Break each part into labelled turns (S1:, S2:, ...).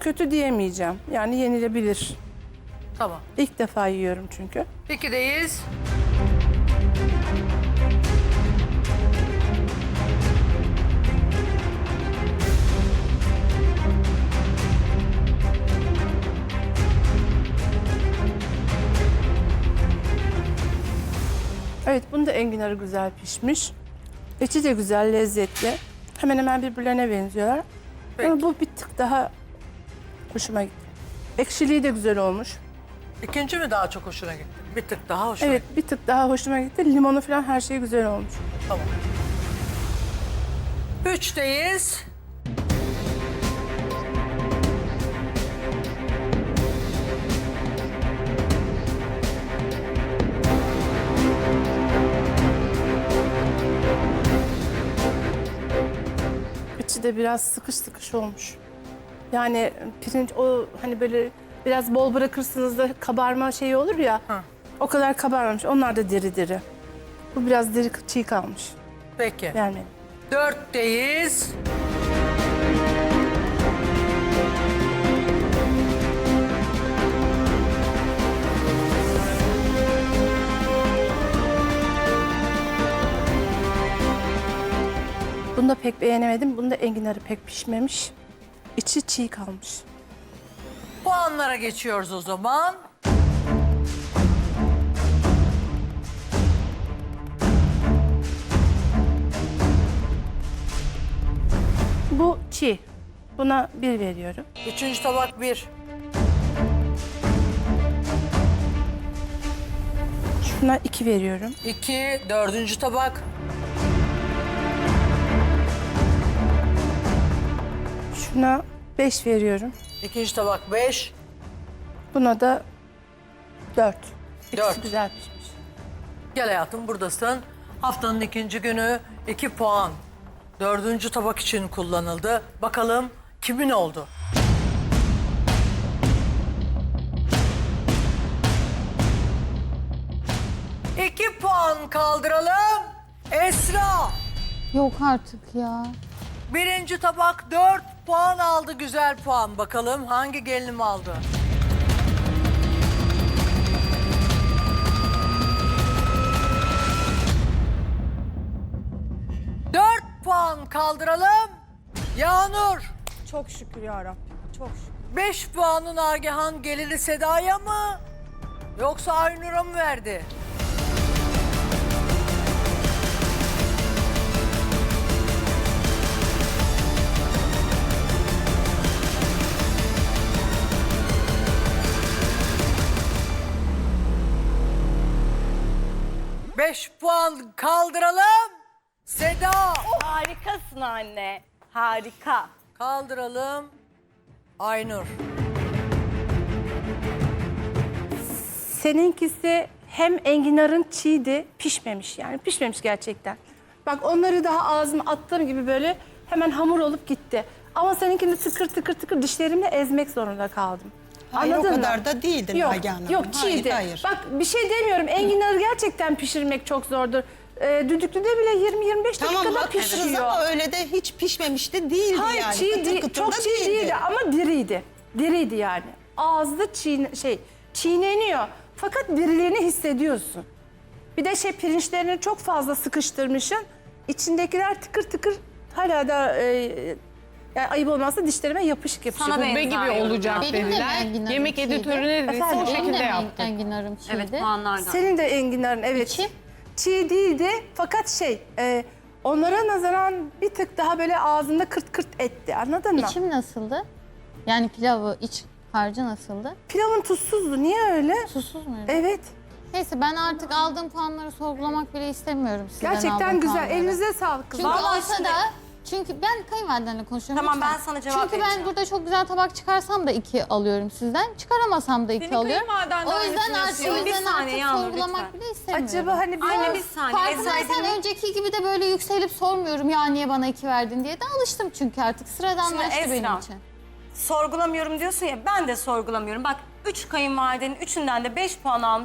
S1: kötü diyemeyeceğim. Yani yenilebilir.
S2: Tamam.
S1: İlk defa yiyorum çünkü.
S2: 2'deyiz.
S1: Evet, bunun da enginarı güzel pişmiş. İçi de güzel, lezzetli. Hemen hemen birbirlerine benziyorlar.
S2: Peki.
S1: Ama bu bir tık daha hoşuma gitti. Ekşiliği de güzel olmuş.
S2: İkinci mi daha çok hoşuna gitti? Bir tık daha hoşuna
S1: Evet,
S2: gitti.
S1: bir tık daha hoşuma gitti. Limonu falan her şey güzel olmuş.
S2: Tamam. 3'teyiz.
S1: İçi de biraz sıkış sıkış olmuş. Yani pirinç o hani böyle biraz bol bırakırsınız da kabarma şeyi olur ya.
S2: Hı.
S1: O kadar kabarmamış. Onlar da diri diri. Bu biraz diri çiğ kalmış.
S2: Peki.
S1: Yani
S2: 4'teyiz.
S1: bunu da pek beğenemedim. Bunda enginarı pek pişmemiş. İçi çiğ kalmış.
S2: Puanlara geçiyoruz o zaman.
S1: Bu çiğ. Buna 1 veriyorum.
S2: 3. tabak 1.
S1: Şuna 2 veriyorum.
S2: 2. 4. tabak.
S1: Şuna 5 veriyorum.
S2: 2. tabak 5.
S1: Buna da 4. İkisi
S2: 4.
S1: güzel pişmiş.
S2: Gel hayatım, buradasın. Haftanın 2. günü 2 puan. 4. tabak için kullanıldı. Bakalım kimin oldu? İki puan kaldıralım. Esra.
S3: Yok artık ya.
S2: 1. tabak 4 puan aldı. Güzel puan. Bakalım hangi gelinim aldı? Puan kaldıralım. Yağnur.
S4: Çok şükür ya Rabbim. Çok şükür.
S2: 5 puanı Nagihan geliri Seda'ya mı? Yoksa Aynur'a mı verdi? Beş puan kaldıralım. Seda.
S4: Harikasın anne. Harika.
S2: Kaldıralım. Aynur.
S1: Seninkisi hem enginarın çiğdi, pişmemiş yani pişmemiş gerçekten. Bak onları daha ağzıma attığım gibi böyle hemen hamur olup gitti. Ama seninkini tıkır tıkır tıkır dişlerimle ezmek zorunda kaldım.
S5: Hayır,
S1: Anladın
S5: o
S1: mı?
S5: kadar da değildi
S1: Yok,
S5: Nagihan Hanım.
S1: yok çiğdi.
S5: Hayır.
S1: Bak bir şey demiyorum, enginarı gerçekten pişirmek çok zordur. Düdüklüde bile 20-25
S5: Tamam
S1: dakikada
S5: haklısınız
S1: pişiyor.
S5: ama öyle de hiç pişmemişti değildi
S1: Hayır
S5: yani.
S1: çiğ
S5: Kıtır
S1: değil,
S5: kıtır
S1: çok
S5: da
S1: çiğ değildi ama diriydi. Diriydi yani. Ağızda çiğneniyor. Fakat diriliğini hissediyorsun. Bir de pirinçlerini çok fazla sıkıştırmışsın. İçindekiler tıkır tıkır hala da yani ayıp olmazsa dişlerime yapışık yapışık.
S4: Sana
S6: Kubbe gibi olacak
S3: Benim de
S6: dediler.
S3: enginarım
S6: Yemek
S3: çiğdi.
S6: editörü ne dediyse
S1: Efendim?
S6: o
S3: Benim
S6: şekilde
S3: de
S6: yaptı.
S3: enginarım çiğdi.
S4: Evet puanlardan.
S1: Senin de enginarın evet.
S3: İçi?
S1: Çiğ değildi fakat onlara nazaran bir tık daha böyle ağzında kırt kırt etti, anladın mı?
S3: İçim nasıldı? Yani pilavı, iç harcı nasıldı?
S1: Pilavın tuzsuzdu, niye öyle?
S3: Susuz muydu?
S1: Evet,
S3: Neyse ben artık aldığım puanları sorgulamak bile istemiyorum sizden
S1: gerçekten
S3: aldığım
S1: güzel.
S3: puanları.
S1: Elinize sağlık kızım.
S3: Çünkü
S4: Vallahi
S3: olsa
S4: şimdi-
S3: da çünkü ben kayınvalidenle konuşuyorum.
S4: Tamam,
S3: lütfen.
S4: ben sana cevap
S3: Çünkü
S4: vereceğim.
S3: ben burada çok güzel tabak çıkarsam da 2 alıyorum sizden. Çıkaramasam da 2
S4: Senin
S3: alıyorum.
S4: kayınvaliden
S3: O
S4: daha
S3: yüzden
S4: ne
S3: artık,
S4: düşünüyorsun? Bir saniye Yağmur,
S3: sorgulamak
S4: lütfen.
S3: bile istemiyorum.
S1: Acaba hani biraz...
S4: Anne bir saniye.
S3: Farkındaysan
S4: Esra'yı
S3: önceki gibi de böyle yükselip sormuyorum ya niye bana 2 verdin diye de alıştım çünkü artık sıradanlaştı
S4: Şimdi
S3: benim
S4: Esra,
S3: için.
S4: sorgulamıyorum diyorsun ya, ben de sorgulamıyorum. Bak 3 kayınvalidenin 3'ünden de 5 puan almışım.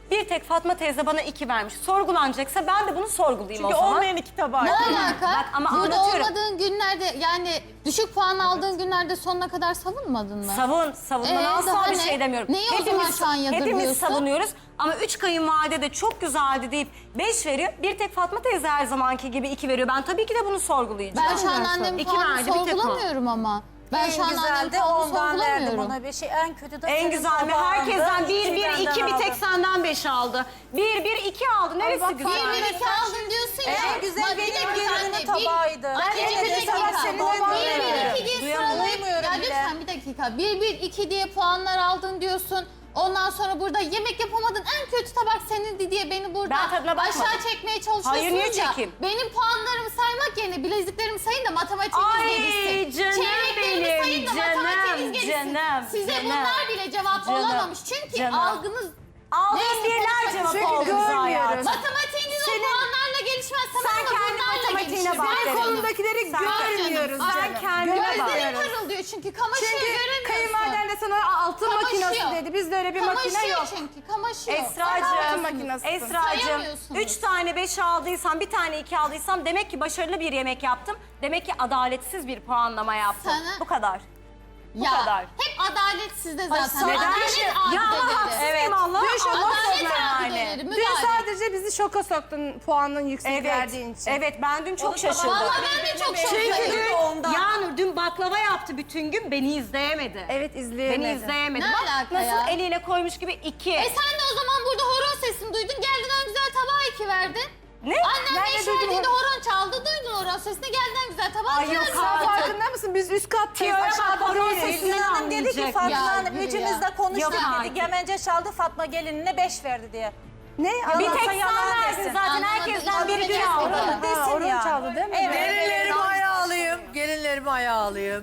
S6: Bir tek Fatma teyze bana 2 vermiş. Sorgulanacaksa ben de bunu sorgulayayım
S4: Çünkü
S6: o zaman.
S4: olmayan 2 tabağı.
S3: Ne alaka?
S6: Bak ama
S3: Burada
S6: anlatıyorum.
S3: olmadığın günlerde yani düşük puan aldığın günlerde sonuna kadar savunmadın mı?
S6: Savunmadan asla
S3: daha
S6: bir
S3: ne?
S6: şey demiyorum.
S3: Neyi o zaman şu an
S6: Hepimiz
S3: yadırgıyorsun?
S6: savunuyoruz ama 3 kayınvalide de çok güzeldi deyip 5 veriyor. Bir tek Fatma teyze her zamanki gibi 2 veriyor. Ben tabii ki de bunu sorgulayacağım.
S3: Ben şu an annemin
S6: İki
S3: puanını
S6: verdi, bir tek o.
S3: sorgulamıyorum ama. Ben şu an annemin puanını sorgulamıyorum.
S5: bir şey. En kötü de
S6: En güzel mi? Herkesten 1, 1, 2 bir tek senden 5 aldı. 1, 1, 2 aldı. Neresi
S3: Bir
S6: güzel?
S3: bir iki aldın diyorsun ya.
S5: En güzel
S3: Bak, bir
S5: benim
S3: dakika
S5: gelinimin
S3: anne,
S5: tabağıydı.
S3: Anneciğim bir dakika.
S5: senin
S3: Bir
S5: tabağın
S3: bir iki diye sıralayıp.
S5: Duyamıyorum
S3: Ya
S5: bile.
S3: lütfen bir dakika. Bir bir iki diye puanlar aldın diyorsun. Ondan sonra burada yemek yapamadın en kötü tabak senindi diye beni burada
S6: Ben tadına bakmadım.
S3: aşağı çekmeye çalışıyorsunuz
S6: Hayır, niye
S3: ya.
S6: çekeyim?
S3: Benim puanlarımı saymak yerine bileziklerimi sayın da matematiğiniz
S6: Ay,
S3: gelişsin.
S6: canım
S3: Çeyreklerimi
S6: benim,
S3: sayın da
S6: canım,
S3: matematiğiniz gelişsin.
S6: canım,
S3: Size
S6: canım.
S3: bunlar bile cevap
S6: Canım,
S3: olamamış. Çünkü
S6: canım.
S3: algınız
S6: Aldığın
S3: Neyse,
S6: birler
S3: konuşmak
S6: cevap oldu
S1: Çünkü
S6: bize hayatım.
S1: görmüyoruz.
S3: matematiğiniz o puanlarla gelişmez.
S6: Sen
S3: Tamam mı?
S6: kendi
S3: Bunlarla
S6: matematiğine
S3: gelişir.
S6: bak
S3: Ben
S6: dedim.
S1: Konudakileri görmüyoruz
S3: canım.
S1: canım.
S6: Sen kendine bak.
S3: Gözlerim parıldıyor çünkü kamaşıyor
S1: Çünkü
S3: göremiyorsun.
S1: kayınvaliden de sana altın
S3: Kamaşıyor.
S1: makinesi dedi. Bizde öyle bir makine
S3: Kamaşıyor
S1: yok.
S3: çünkü kamaşıyor.
S6: Esra'cığım,
S1: makinesi.
S6: Esra'cığım
S3: Sayamıyorsunuz.
S6: 3 tane 5 aldıysam, bir tane 2 aldıysam demek ki başarılı bir yemek yaptım. Demek ki adaletsiz bir puanlama yaptım.
S3: Sana-
S6: Bu kadar.
S3: Ya
S6: kadar.
S3: hep adaletsizde zaten.
S6: neden?
S3: Adalet
S6: Ya ama
S3: abdeleri.
S6: haksız mıyım Allah?
S1: Dün şoka
S3: Adalet
S1: soktun
S3: abdeleri.
S1: Dün
S3: Müdahale.
S1: sadece bizi şoka soktun puanın yüksek
S6: Evet,
S1: verdiğin için.
S6: evet ben dün çok şaşırdım.
S3: Vallahi ben de çok
S6: Çünkü
S3: şoktayım.
S6: dün Yağnur dün baklava yaptı bütün gün, beni izleyemedi.
S1: Evet, izleyemedim.
S6: Beni izleyemedi.
S3: Ne
S6: Bak
S3: alaka
S6: nasıl
S3: ya?
S6: eliyle koymuş gibi 2.
S3: Sen de o zaman burada horon sesini duydun. Geldin en güzel tabağa 2 verdin.
S6: Ne?
S3: Annem
S1: Nerede
S3: beş
S1: duydun
S3: verdiğinde horon çaldı. Duydun horon sesini. Geldin en güzel tabağa
S6: Ay
S3: 2
S6: yok
S3: verdin.
S6: artık.
S1: Farkında mısın? Biz üst kattayız.
S6: Tiyo'ya bak,
S1: Aşağıda
S6: horon
S1: değiliz.
S6: sesini
S5: Gülün Hanım dedi ki
S6: anlayacak.
S5: Fatma
S3: Ya,
S5: Hanım
S3: yürü
S5: üçümüz
S3: ya.
S5: de konuştuk
S6: Yok
S5: dedi.
S6: artık.
S5: Gemence çaldı Fatma gelinine 5 verdi diye.
S1: Ne?
S6: Bir tek
S5: Yalansa
S6: sen
S5: yalan
S6: verdin
S5: desin.
S6: zaten.
S3: Anlamadım.
S6: Herkesten bir gün
S3: İnanamayacaksın.
S6: aldın.
S5: Orada desin
S1: Orun
S5: ya.
S1: çaldı değil mi?
S5: Evet.
S2: Gelinlerimi ayağa alayım. Gelinlerimi ayağa alayım.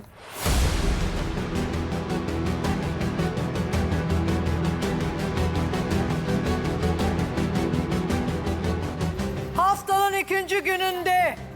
S2: Haftanın 2. gününde